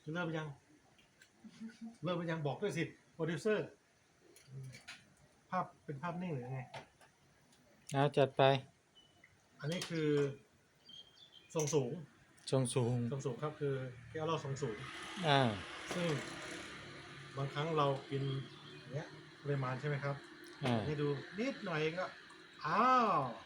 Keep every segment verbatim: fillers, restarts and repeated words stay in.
เริ่มยังเริ่มยังบอกด้วยสิโปรดิวเซอร์ภาพเป็นภาพนิ่งหรือไงเอาจัดไปอันนี้คือทรงสูงทรงสูงทรงสูงครับคือแก้วเหล้าทรงสูงอ่าซึ่งบางครั้งเรากินเนี้ยปริมาณใช่ไหมครับอ่าให้ดูนิดหน่อยก็อ้าว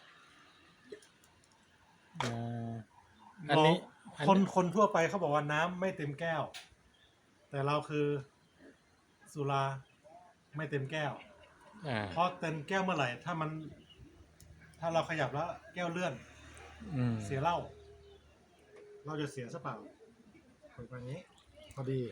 อ่าอันนี้คนคนทั่วไปเขาบอกว่าน้ำไม่เต็มแก้ว แต่เราคือสุราไม่เต็มแก้วอ่าเพราะเต็มแก้วเมื่อไหร่ถ้ามัน ถ้าเราขยับแล้วแก้วเลื่อนอืมเสียเหล้าเราจะเสียซะเปล่าเป็นแบบนี้พอดี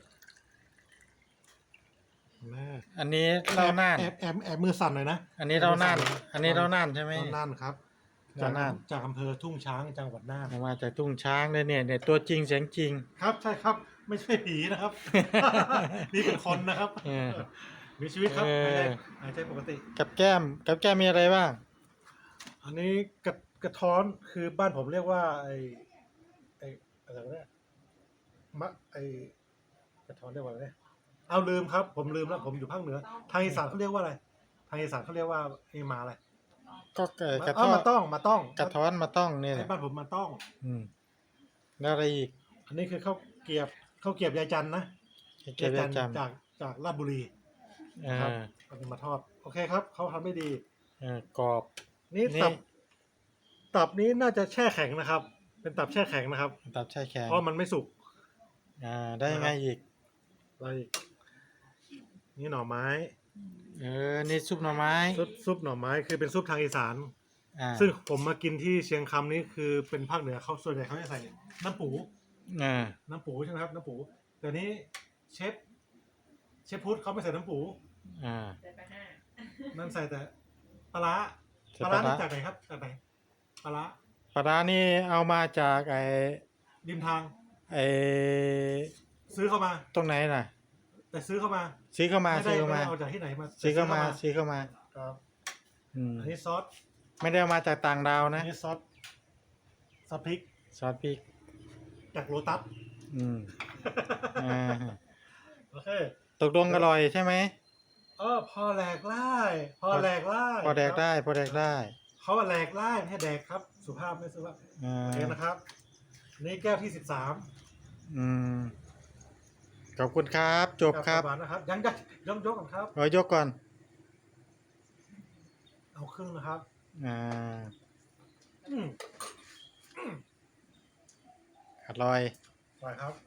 แม่อันนี้เล่าน่านแอบแอบแอบมือสั่นหน่อยนะอันนี้เล่าน่านอันนี้เล่าน่านใช่ไหมเล่าน่านครับจากจากอำเภอทุ่งช้างจังหวัดน่านมาจากทุ่งช้างเลยเนี่ยเนี่ยตัวจริงเสียงจริงครับใช่ครับไม่ใช่ผีนะครับ นี่เป็นคนนะครับมีชีวิตครับหายใจหายใจปกติกับแก้มกับแก้มมีอะไรบ้างอันนี้กระกระท้อนคือบ้านผมเรียกว่าไอไออะไรวะเนี่ยมะไอกระท้อนเรียกว่าอะไรเนี่ยเอาลืมครับผมลืมแล้วผมอยู่ภาคเหนือทางอีสานเขาเรียกว่าอะไรทางอีสานเขาเรียกว่าไอหมาอะไรก็กระท้ออนมาต้องมาต้องกระท้อนมาต้องเนี่ยไอบ้านผมมาต้องอืมแล้วอะไรอีกอันนี้คือข้าวเกรียบข้าวเกรียบยายจันนะเก็บยายจันจากจากราชบุรีครับเอามาทอดโอเคครับเขาทำไม่ดีกรอบนี่ตับตับนี้น่าจะแช่แข็งนะครับ เป็นตับแช่แข็งนะครับตับแช่แข็งเพราะมันไม่สุกอ่าได้ไงอีกอะไรอีกนี่หน่อไม้เออนี่ซุปหน่อไม้ซุปซุปหน่อไม้คือเป็นซุปทางอีสานอ่าซึ่งผมมากินที่เชียงคำนี่คือเป็นภาคเหนือเขาส่วนใหญ่เขาจะใส่น้ำปูอ่าน้ำปูใช่ไหมครับน้ำปูแต่นี้เชฟเชฟพุทธเขาไม่ใส่น้ำปูอ่านั่นใส่แต่ปลาร้าปลาร้านี่จากไหนครับจากไหนปลาร้าปลาร้านี่เอามาจากไอ้ริมทางไอ้ซื้อเข้ามาตรงไหนน่ะแต่ซื้อเข้ามาซื้อเข้ามาซื้อเข้ามาเอาจากที่ไหนมาซื้อเข้ามาซื้อเข้ามาครับอืมอันนี้ซอสไม่ได้เอามาจากต่างดาวนะอันนี้ซอสซอสพริกซอสพริกจากโลตัสอืมอ่าโอเคตกลงอร่อยใช่ไหมเออพอแหลกไล่พอแหลกไล่พอแดกได้พอแดกได้เขาแหลกไล่ให้แดกครับสุภาพไม่สุภาพโอเคนะครับนี่แก้วที่สิบสามอืมขอบคุณครับจบครับนะครับยังยังยกยกก่อนครับขอยกก่อนเอาครึ่งนะครับอ่าอืมอร่อยอร่อยครับ